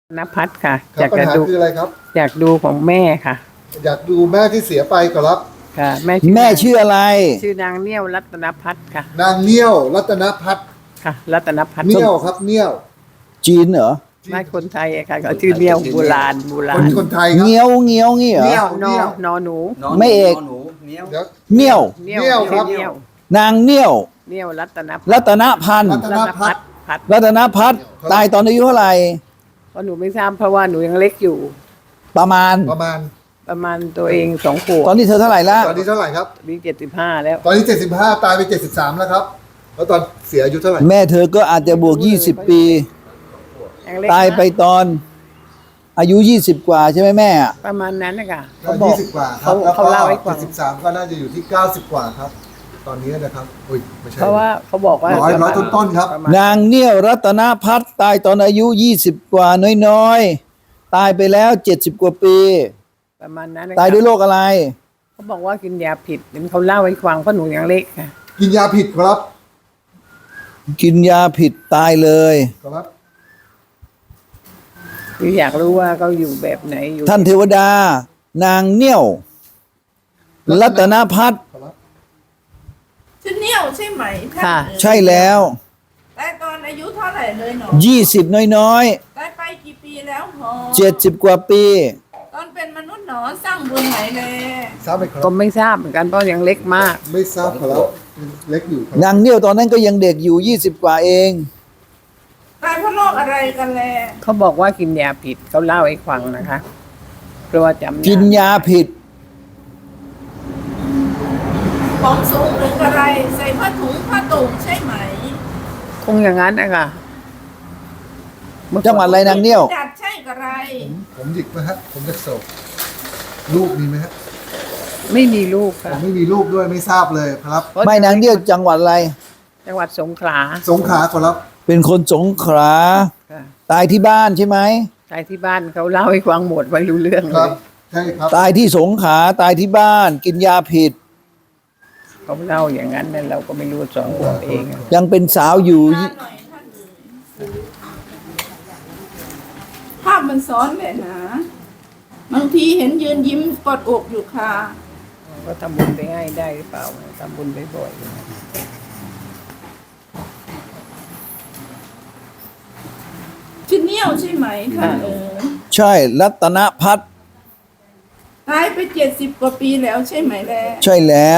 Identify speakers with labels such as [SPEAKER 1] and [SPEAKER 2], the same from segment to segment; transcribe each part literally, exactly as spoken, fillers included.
[SPEAKER 1] ณภัทรค่ะ
[SPEAKER 2] ครับปัญหาคืออะไรครับ
[SPEAKER 1] อยากดูของแม่ค่ะ
[SPEAKER 2] อยากดูแม่ที่เสียไปครับ
[SPEAKER 1] ค่ะแม่
[SPEAKER 3] แม่ชื่ออะไร
[SPEAKER 1] ชื่อนางเนียวรัตนภัทรค่ะ
[SPEAKER 2] นางเงี้ยวรัตนพัฒน์
[SPEAKER 1] ค่ะรัตนภัทร
[SPEAKER 2] เงี้ยวครับเงี้ยว
[SPEAKER 3] จีนเหรอ
[SPEAKER 1] ไม่คนไทยอะค่ะเขาชื่อเนียวโบราณโบรา
[SPEAKER 2] คน
[SPEAKER 1] ณ
[SPEAKER 2] คนไทยครับ
[SPEAKER 3] เงี้ยวเงี้ยวงี้เหรอ
[SPEAKER 2] เงี้ยว
[SPEAKER 1] นอนอหนู
[SPEAKER 3] ไม่เอก
[SPEAKER 4] หนูเนี้ยว
[SPEAKER 2] เดี๋ยว
[SPEAKER 3] เงี้ยว
[SPEAKER 1] เนียว
[SPEAKER 2] เนียวครับ
[SPEAKER 1] เนียว
[SPEAKER 3] นางเงี้ยว
[SPEAKER 1] เนียวรัตนภัทร
[SPEAKER 3] รัตนพันธ์
[SPEAKER 2] รัตนพัฒน์
[SPEAKER 1] พัฒน์
[SPEAKER 3] รัตนพัฒน์ตายตอนอายุเท่าไหร่
[SPEAKER 1] เพราะหนูไม่ทราบเพราะว่าหนูยังเล็กอยู่
[SPEAKER 3] ประมาณ
[SPEAKER 2] ประมาณ
[SPEAKER 1] ประมาณตัวเองสองขวบ
[SPEAKER 3] ตอนนี้เธอเท่าไหร่ละ
[SPEAKER 2] ตอนนี้เท่าไหร่ครับ
[SPEAKER 1] มีเจ็ดสิบห้าแล้ว
[SPEAKER 2] ตอนนี้เจ็ดสิบห้าตายไปเจ็ดสิบสามแล้วครับแล้วตอนเสียอายุเท่าไหร่
[SPEAKER 3] แม่เธอก็อาจจะบวกยี่สิบปี
[SPEAKER 1] ยังเล็ก
[SPEAKER 3] ตายไปตอนอายุยี่สิบกว่าใช่ไหมแม่อะ
[SPEAKER 1] ประมาณนั้นนะคะ
[SPEAKER 2] ก็
[SPEAKER 1] เขาบอก
[SPEAKER 2] ยี่สิบกว่าครั
[SPEAKER 1] เขา
[SPEAKER 2] บแล้ว
[SPEAKER 1] เขา
[SPEAKER 2] ก็
[SPEAKER 1] เล่าให้ฟั
[SPEAKER 2] เจ็
[SPEAKER 1] ง
[SPEAKER 2] ดสิบสามก็น่าจะอยู่ที่เก้าสิบกว่าครับ ตอนนี้นะครับอุ้ยไม่ใช่
[SPEAKER 1] เพราะว่าเขาบอกว่า
[SPEAKER 2] ร้อยร้อยต้นๆครับ
[SPEAKER 1] ปะมาณ
[SPEAKER 3] นางเงี้ยวรัตนพัฒน์ตายตอนอายุยี่สิบกว่าน้อยๆตายไปแล้วเจ็ดสิบกว่าปี
[SPEAKER 1] ประมาณนั้นนะคะ
[SPEAKER 3] ตายด้วยโรคอะไร
[SPEAKER 1] เขาบอกว่ากินยาผิดเห็นเขาเล่าให้ฟังเพราะหนูยังเล็กค่ะ
[SPEAKER 2] กินยาผิดครับ
[SPEAKER 3] กินยาผิดตายเลย
[SPEAKER 2] ครับ
[SPEAKER 1] คืออยากรู้ว่าเขาอยู่แบบไหนอยู่
[SPEAKER 3] ท่านเทวดา นางเงี้ยวรัตนพัฒน์
[SPEAKER 2] ครับ
[SPEAKER 5] ชื่อเนี่ยวใช่ไหมท่าน
[SPEAKER 1] ค่ะ
[SPEAKER 5] เอ๋ย
[SPEAKER 3] ใช่แล้ว
[SPEAKER 5] ตายตอนอายุเท่าไหร่เลยหนอ
[SPEAKER 3] ยี่สิบน้อย
[SPEAKER 5] ตายไปกี่ปีแล้วหนอ
[SPEAKER 3] ๆเจ็ดสิบกว่าปี
[SPEAKER 5] ตอนเป็นมนุษย์หนอสร้างบุญไหนแล
[SPEAKER 2] ทราบไหมครั
[SPEAKER 1] ก็
[SPEAKER 2] บ
[SPEAKER 1] ไม่ทราบเหมือนกันเพราะยังเล็กมาก
[SPEAKER 2] ไม่ทราบครับเล็กอยู่ครับ
[SPEAKER 3] นางเงี้ยวตอนนั้นก็ยังเด็กอยู่ยี่สิบกว่าเอง
[SPEAKER 5] ตายเพราะโรคอะไรกันแล
[SPEAKER 1] เขาบอกว่ากินยาผิดเขาเล่าให้ฟังนะคะเพราะว่าจำ
[SPEAKER 3] กินยาผิด
[SPEAKER 5] ของสูงหรือกระไร ใส่ผ้าถุงผ้าตุ่มใช่ไหม
[SPEAKER 1] คงอย่างนั้นนะคะเมื่อก่อน
[SPEAKER 3] จังหวัดอะไรนางเงี้ยว
[SPEAKER 5] จัดใช่กระไร
[SPEAKER 2] ผมผมหยิกไหมฮะผมจะโศกลูกมีไหมฮะ
[SPEAKER 1] ไม่มีลูก
[SPEAKER 2] ผ
[SPEAKER 1] ค่ะ
[SPEAKER 2] มไม่มีลูกด้วยไม่ทราบเลยครับ
[SPEAKER 3] ไม่นางเงี้ยวจังหวัดอะไร
[SPEAKER 1] จังหวัดสงขลา
[SPEAKER 2] สงขลาครับ
[SPEAKER 3] เป็นคนสงขลา
[SPEAKER 1] ค่ะ
[SPEAKER 3] ตายที่บ้านใช่ไหม
[SPEAKER 1] ใครที่บ้านเขาเล่าให้ฟังหมดไม่รู้เรื่อง
[SPEAKER 2] ค
[SPEAKER 1] เล
[SPEAKER 2] รับ
[SPEAKER 1] ย
[SPEAKER 2] ใช่ครับ
[SPEAKER 3] ตายที่สงขลาตายที่บ้าน กินยาผิด
[SPEAKER 1] เขาเล่าอย่างนั้นนั่นเราก็ไม่รู้สองขวบเองอะ
[SPEAKER 3] ยังเป็นสาวอยู่
[SPEAKER 5] หน้าหน่อยท่านเอ๋ยภาพมันซ้อนแหละนะบางทีเห็นยืนยิ้มกอดอกอยู่ค่ะ
[SPEAKER 1] ก็ทำบุญไปให้ได้หรือเปล่าทำบุญไปบ่อย
[SPEAKER 5] ชื่อเนี่ยวใช่ไหมท่านเอ๋ย
[SPEAKER 3] ใช่รัตนพัฒน์
[SPEAKER 5] ตายไปเจ็ดสิบกว่าปีแล้วใช่ไหมแล
[SPEAKER 3] ใช่แล้ว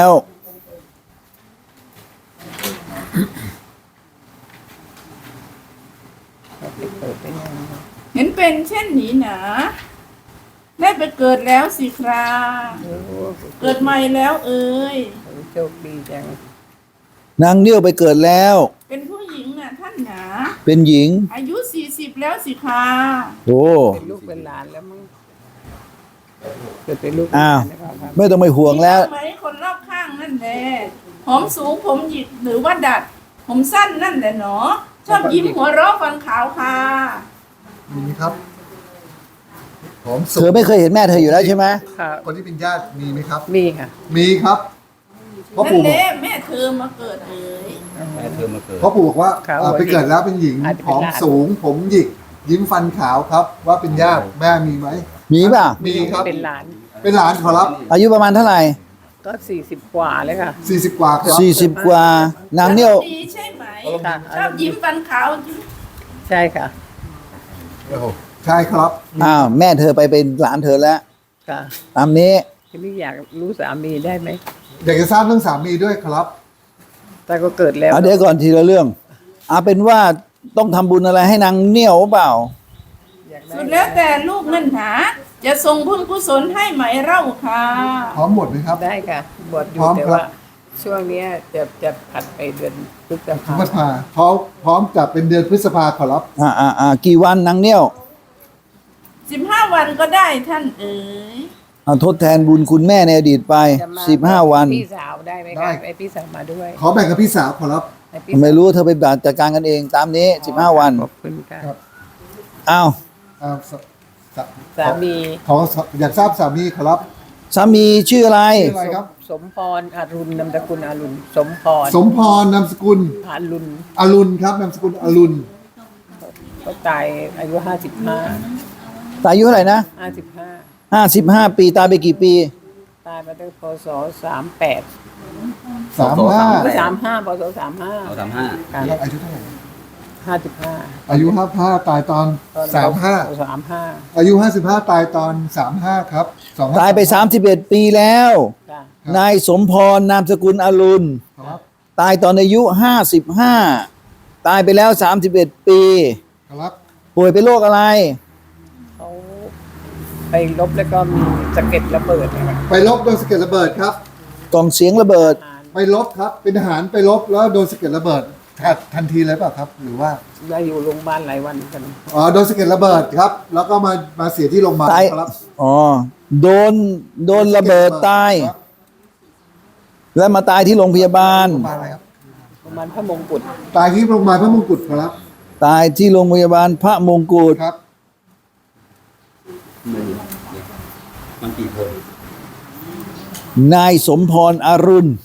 [SPEAKER 1] เขาไปเปิดไปยัง
[SPEAKER 5] เห็นเป็นเช่นนี้หนา ได้ไปเกิดแล้วสิครา
[SPEAKER 1] โอ้
[SPEAKER 5] เกิดใหม่แล้วเอ่ย
[SPEAKER 1] โหโชคดีจัง
[SPEAKER 3] นางเงี้ยวไปเกิดแล้ว
[SPEAKER 5] เป็นผู้หญิงน่ะท่านหนา
[SPEAKER 3] เป็นหญิง
[SPEAKER 5] อายุสี่สิบแล้วสิครา
[SPEAKER 3] โอ้
[SPEAKER 1] เป็นลูกเป็นหลานแล้วมั้งเกิดเป็นลูกเป็นห
[SPEAKER 3] อ้าว
[SPEAKER 1] ลานนะครับ
[SPEAKER 3] ไม่ต้องไปห่วงแล้ว
[SPEAKER 5] มีไหมคนรอบข้างนั่นแหละผมสูงผมหยิกหรือว่าดัด ผมสั้นนั่นแหละเนาะชอบยิ้มหัวเราะฟันขาวค่ะ
[SPEAKER 2] มีไหมครับผมสุ
[SPEAKER 3] เธอไม่เคยเห็นแม่เธออยู่แล้วใช่ไหม
[SPEAKER 1] ค่ะ
[SPEAKER 2] คนที่เป็นญาติมีไหมครับ
[SPEAKER 1] มีค่ะ
[SPEAKER 2] มีครับพ่อ
[SPEAKER 5] นั่น
[SPEAKER 2] ปู่
[SPEAKER 5] แหละแม่เธอมาเกิดเอ่ย
[SPEAKER 4] แม่เธอมาเกิด
[SPEAKER 2] พ่อปู่บอกว่า
[SPEAKER 1] ครับ
[SPEAKER 2] อ่าไปเกิดแล้วเป็นหญิง
[SPEAKER 1] อาจจะ
[SPEAKER 2] ผ
[SPEAKER 1] เป็น
[SPEAKER 2] อม
[SPEAKER 1] หลาน
[SPEAKER 2] สูง ผมหยิก ยิ้มฟันขาวครับ ว่าเป็นญาติแม่มีไหม
[SPEAKER 3] มีป่ะ
[SPEAKER 2] มีครับ
[SPEAKER 1] เป็นหลาน
[SPEAKER 2] เป็นหลานขอรับ
[SPEAKER 3] อายุประมาณเท่าไหร่
[SPEAKER 1] ก็สี่สิบกว่าเลยค่ะ
[SPEAKER 2] สี่สิบกว่าครับ
[SPEAKER 3] สี่สิบกว่า นางเงี้ยว
[SPEAKER 5] ดีใช่ไหม
[SPEAKER 1] ค่ะ
[SPEAKER 5] ชอบยิ้มฟันขาว
[SPEAKER 1] ใช่ค่ะ
[SPEAKER 2] โอ้โหใช่ครับ
[SPEAKER 3] อ้าวแม่เธอไปเป็นหลานเธอแล้ว
[SPEAKER 1] ค่ะ
[SPEAKER 3] ตามนี้
[SPEAKER 1] ทีนี้อยากรู้สามีได้ไหม
[SPEAKER 2] อยากจะทราบเรื่องสามีด้วยครับ
[SPEAKER 1] แต่ก็เกิดแล้ว
[SPEAKER 3] เอาเดี๋ยวก่อนทีละเรื่องเอาเป็นว่าต้องทำบุญอะไรให้นางเงี้ยวเปล่า
[SPEAKER 1] อยากได้
[SPEAKER 5] สุดแล้วแต่ลูกนั่นหาจะส่งบุญกุศลให้ไหมเล่าค่ะ
[SPEAKER 2] พร้อมหมดไหมครับ
[SPEAKER 1] ได้ค่ะบวชอ
[SPEAKER 2] พ
[SPEAKER 1] ยู่
[SPEAKER 2] ร้อม
[SPEAKER 1] แต่
[SPEAKER 2] ครับ
[SPEAKER 1] ว่าช่วงเนี้ยจะจะผัดไปเดือนพฤษ
[SPEAKER 2] พฤ
[SPEAKER 1] ภา
[SPEAKER 2] ษภาพร้อมพร้อมจับเป็นเดือนพฤษภาขอรับ
[SPEAKER 3] อ่าอ่าอ่ากี่วันนางเงี้ยว
[SPEAKER 5] สิบห้าวันก็ได้ท่านเอ๋ย
[SPEAKER 3] เอาทดแทนบุญคุณแม่ในอดีตไป
[SPEAKER 1] จะมา
[SPEAKER 3] สิบห้าวัน
[SPEAKER 1] พี่สาวได้ไหมคะไอพี่สาวมาด้วย
[SPEAKER 2] ขอแบ่งกับพี่สาวขอรับ
[SPEAKER 1] ให้พี่สาว
[SPEAKER 3] ไม่รู้เธอไปจัดการกันเองตามนี้สิบห้าวัน
[SPEAKER 1] ขอบคุณค่ะ
[SPEAKER 2] ครับ
[SPEAKER 3] อ้าว
[SPEAKER 2] อ่าสส
[SPEAKER 1] สามี
[SPEAKER 2] ขออยากทราบสามีขอรับ
[SPEAKER 3] สามีชื่ออะไร
[SPEAKER 2] ชื่ออะไรครับ
[SPEAKER 1] สมพรอรุณนามสกุลอรุณสมพร
[SPEAKER 2] สมพรนามสกุล
[SPEAKER 1] อรุณ
[SPEAKER 2] อรุณครับนามสกุลอรุณ
[SPEAKER 1] ก็ตายอายุห้าสิบห้า
[SPEAKER 3] ตายอายุเท่าไหร่นะ
[SPEAKER 1] ห้าสิบห้า
[SPEAKER 3] ห้าสิบห้าปีตายไปกี่ปี
[SPEAKER 1] ตายมาตั้งพศสามแปด
[SPEAKER 2] สามห้า
[SPEAKER 1] สามห้าพศสามห้า
[SPEAKER 4] เอาสามห้า
[SPEAKER 2] แล้วอายุเท่าไหร่
[SPEAKER 1] ห้าสิบห้า
[SPEAKER 2] อายุห้าห้าตายตอน
[SPEAKER 1] ตอน
[SPEAKER 2] สามห้า
[SPEAKER 1] สามห้า
[SPEAKER 2] อายุห้าสิบห้าตายตอนสามห้าครับสอง
[SPEAKER 3] ตายไปสามสิบเอ็ดปีแล้ว
[SPEAKER 1] จ้ะ
[SPEAKER 3] นายสมพรนามสกุลอรุณ
[SPEAKER 2] ครับ
[SPEAKER 3] ตายตอนอายุห้าสิบห้าตายไปแล้วสามสิบเอ็ดปี
[SPEAKER 2] ครับ
[SPEAKER 3] ป่วยเป็นโรคอะไร
[SPEAKER 1] เขาไปลบแล้วก็มีสะเก็ดระเบิดนะครับ
[SPEAKER 2] ไปลบโดนสะเก็ดระเบิดครับ
[SPEAKER 3] กล่องเสียงระเบิด
[SPEAKER 1] อ่าน
[SPEAKER 2] ไปลบครับ เป็นทหารไปลบแล้วโดนสะเก็ดระเบิดทันทันทีเลยเปล่ะครับ หรือว่า
[SPEAKER 1] ได้อยู่โรงพยาบาลหลายวันกัน
[SPEAKER 2] อ๋อโดนสะเก็ดระเบิดครับ แล้วก็มามาเสียที่โรงพยาบาล
[SPEAKER 3] ตาย
[SPEAKER 2] ครับ
[SPEAKER 3] อ๋อ โดน โดนระเบิดตาย
[SPEAKER 2] ครับ
[SPEAKER 3] แล้วมาตายที่โรงพยาบาล
[SPEAKER 2] โรงพยาบาลอะไรครับ
[SPEAKER 1] โรงพยาบาลพระมงกุฎ
[SPEAKER 2] ตายที่โรงพยาบาลพระมงกุฎครับ
[SPEAKER 3] ตายที่โรงพยาบาลพระมงกุฎ
[SPEAKER 2] ครับ
[SPEAKER 4] มันมันกี่คน
[SPEAKER 3] นายสมพรอรุณ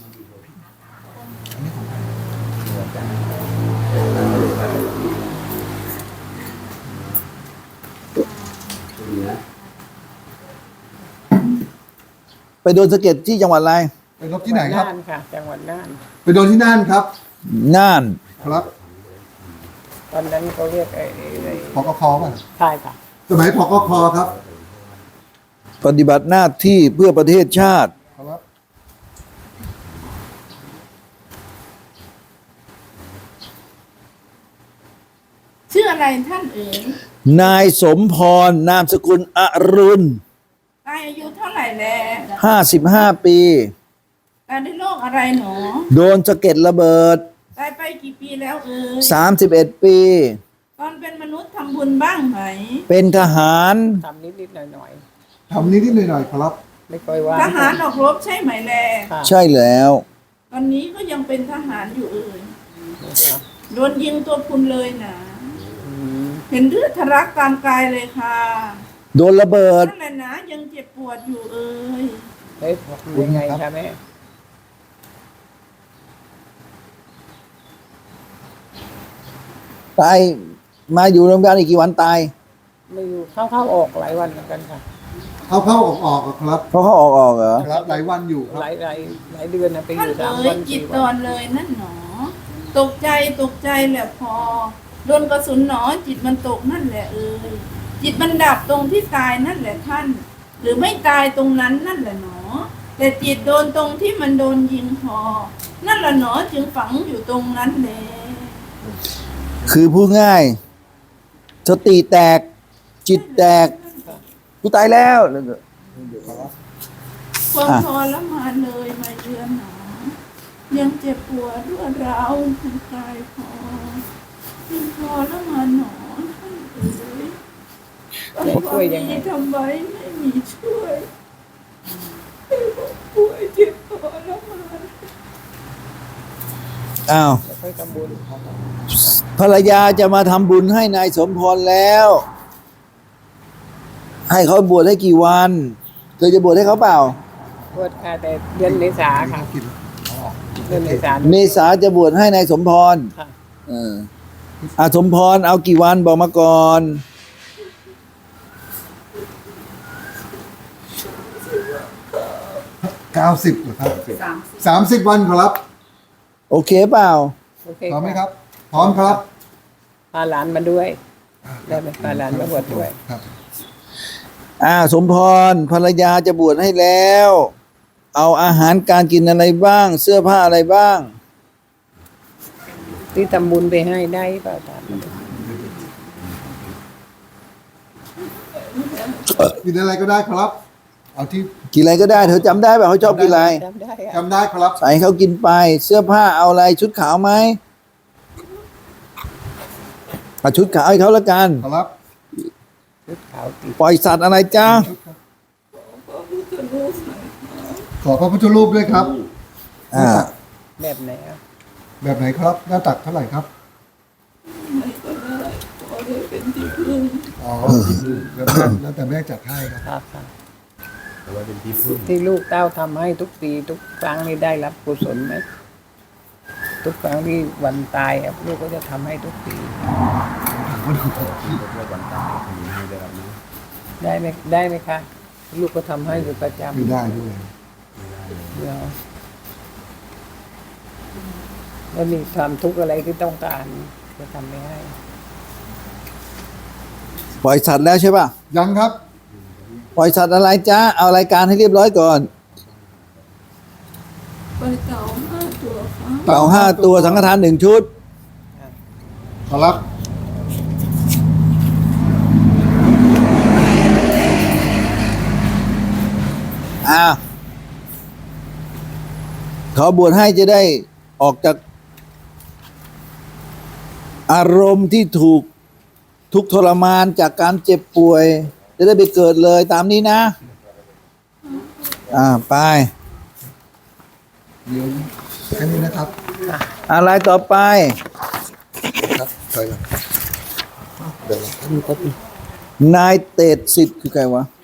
[SPEAKER 3] ไปโดนสะเก็ดที่จังหวัดอะไร
[SPEAKER 2] ไปลบที่ไหนครับ
[SPEAKER 1] น่านค่ะ จังหวัดน่าน
[SPEAKER 2] ไปโดนที่น่านครับ
[SPEAKER 3] น่าน
[SPEAKER 2] ครับ
[SPEAKER 1] ตอนนั้นเขาเรียกไอ้ไอ้
[SPEAKER 2] พกคป่ะ
[SPEAKER 1] ใช่ค่ะ
[SPEAKER 2] สมัยพกคครับ
[SPEAKER 3] ปฏิบัติหน้าที่เพื่อประเทศชาติ
[SPEAKER 2] ครับ
[SPEAKER 5] ชื่ออะไรท่านเอ๋ย
[SPEAKER 3] นายสมพรนามสกุลอรุณ
[SPEAKER 5] ตายอายุเท่าไหร่แล
[SPEAKER 3] ห้าสิบห้าปี
[SPEAKER 5] ตายด้วยโรคอะไรหนอ
[SPEAKER 3] โดนสะเก็ดระเบิด
[SPEAKER 5] ตายไปกี่ปีแล้วเอ๋ย
[SPEAKER 3] สามสิบเอ็ดปี
[SPEAKER 5] ตอนเป็นมนุษย์ทำบุญบ้างไหม
[SPEAKER 3] เป็นทหาร
[SPEAKER 1] ทำนิดๆหน่อย
[SPEAKER 2] ทำนิดๆหน่อยๆครับ
[SPEAKER 1] ๆ ไม่ค่อยว่า
[SPEAKER 5] ทหารออกรบใช่ไหมแล
[SPEAKER 1] ค่ะ
[SPEAKER 3] ใช่แล้ว
[SPEAKER 5] ตอนนี้ก็ยังเป็นทหารอยู่เอ่ย
[SPEAKER 1] ค่ะ
[SPEAKER 5] โดนยิงตัวพุนเลยนะ
[SPEAKER 1] อืม
[SPEAKER 5] เห็นเลือดทะลักตามกายเลยค่ะ
[SPEAKER 3] โดนระเบิด
[SPEAKER 5] นั่นแหละนะยังเจ็บปวดอยู่เอ่ย
[SPEAKER 1] เฮ้ยยังไงคะแม่
[SPEAKER 3] ตายมาอยู่โรงพยาบาลอีกกี่วันตาย
[SPEAKER 1] ไม่อยู่เข้าๆออกหลายวันเหมือนกันค่ะ
[SPEAKER 2] เข้าเข้าออกออกๆครับ
[SPEAKER 3] เพราะเขาออกออกเหรอ
[SPEAKER 2] ครับหลายวันอยู่ค
[SPEAKER 1] ห
[SPEAKER 2] รับ
[SPEAKER 1] ลายหลายหลายเดือนนะไปอ
[SPEAKER 5] ท่าน
[SPEAKER 1] ยู่สาม
[SPEAKER 5] เอ๋
[SPEAKER 1] วั
[SPEAKER 5] ย
[SPEAKER 1] น
[SPEAKER 5] จิต
[SPEAKER 1] สี่
[SPEAKER 5] ต
[SPEAKER 1] วั
[SPEAKER 5] อน นเลยนั่นหนอ ตกใจตกใจแหละพอ โดนกระสุนหนอจิตมันตกนั่นแหละเอ่ยจิตมันดับตรงที่ตายนั่นแหละท่าน หรือไม่ตายตรงนั้นนั่นแหละหนอ แต่จิตโดนตรงที่มันโดนยิงพอ นั่นแหละหนอจึงฝังอยู่ตรงนั้นแหละ
[SPEAKER 3] คือพูดง่าย สติแตก จิตแตก กูตายแล้ว
[SPEAKER 5] ความทรมานเลยมาเยือนหนอ ยังเจ็บปวดรวดร้าวทั้งกายพอยังทรมานหนอท่านเอ๋ย
[SPEAKER 1] จะช่วยยังไง
[SPEAKER 5] ทำไว้ไม่มีช่วยป่วยเจ็บทรมาน
[SPEAKER 3] อ้าว
[SPEAKER 1] แล้วค่อยทำบุญ
[SPEAKER 3] ภรรยาจะมาทำบุญให้นายสมพรแล้ว ให้เขาบวชให้กี่วันเธอจะบวชให้เขาเปล่า
[SPEAKER 1] บวชค่ะแต่เดือนเมษาค่ะ
[SPEAKER 2] กิน
[SPEAKER 1] เดือนเมษา
[SPEAKER 3] เมษาจะบวชให้นายสมพร
[SPEAKER 1] ค่ะ
[SPEAKER 3] เอออาสมพรเอากี่วันบอกมาก่อน
[SPEAKER 2] เก้าสิบเหรอครับสามสิบวันครับ
[SPEAKER 3] โอเคเปล่า
[SPEAKER 1] โอเค
[SPEAKER 2] พร้อมไหมครับ พร้อมครับ
[SPEAKER 1] พาหลานมาด้วย ได้ไหมพาหลานมาบวชด้วย
[SPEAKER 2] ครับ
[SPEAKER 3] อ่าสมพรภรรยาจะบวชให้แล้ว เอาอาหารการกินอะไรบ้าง เสื้อผ้าอะไรบ้าง
[SPEAKER 1] ที่ทำบุญไปให้ได้เปล่าถามมาดู
[SPEAKER 2] กินอะไรก็ได้ครับ เอาที่
[SPEAKER 3] กินอะไรก็ได้เธอจำได้ป่ะเขาชอบกินอะไร
[SPEAKER 1] จำได้อะ
[SPEAKER 2] จำได้ครับ
[SPEAKER 3] ใส่ให้เขากินไป เสื้อผ้าเอาอะไรชุดขาวไหมเอาชุดขาวให้เขาละกัน
[SPEAKER 2] ครับ
[SPEAKER 1] ชุดขาวติด
[SPEAKER 3] ปล่อยสัตว์อะไรจ้า
[SPEAKER 2] ขอพระพุทธรูปด้วยครับ
[SPEAKER 3] อ่า
[SPEAKER 1] แบบไหนอ่ะ
[SPEAKER 2] แบบไหนครับ หน้าตักเท่าไหร่ครับ
[SPEAKER 5] ไม่ก็ได้ขอได้เป็นที่พึ่ง
[SPEAKER 2] อ๋อแล้วแต่แล้วแต่แม่จัดให้ครับ
[SPEAKER 1] ครับค่ะ
[SPEAKER 4] แต่ว่าเป็นที่พึ่ง
[SPEAKER 1] ที่ลูกเต้าทำให้ทุกปีทุกครั้งนี่ได้รับกุศลไหมทุกครั้งที่วันตายอะลูกก็จะทำให้ทุกปี
[SPEAKER 4] เพื่อวันตายมีให้ได้รับนะ
[SPEAKER 1] ได้ไหมได้ไหมคะ ลูกก็ทำให้อยู่ประจำ
[SPEAKER 2] ไม่ได้ด้วย
[SPEAKER 1] เดี๋ยวแล้วมีความทุกข์อะไรที่ต้องการจะทำไม่ให้
[SPEAKER 3] ปล่อยสัตว์แล้วใช่ป่ะ
[SPEAKER 2] ยังครับ
[SPEAKER 3] ปล่อยสัตว์อะไรจ้าเอารายการให้เรียบร้อยก่อน
[SPEAKER 5] ไปเต่าห้าตัวครับ
[SPEAKER 3] เต่าห้าตัวสังฆทานหนึ่งชุด
[SPEAKER 2] ขอรับ
[SPEAKER 3] อ่าขอบวชให้จะได้ออกจาก อารมณ์ที่ถูกทุกข์ทรมานจากการเจ็บป่วย จะได้ไปเกิดเลยตามนี้นะ อ่าไป
[SPEAKER 2] เดี๋ยวแค่นี้นะครับ
[SPEAKER 3] อะไรต่อไป
[SPEAKER 2] ครับใช่ครับเดี๋ยว
[SPEAKER 3] นายเตดสิทธิ์คือใครวะ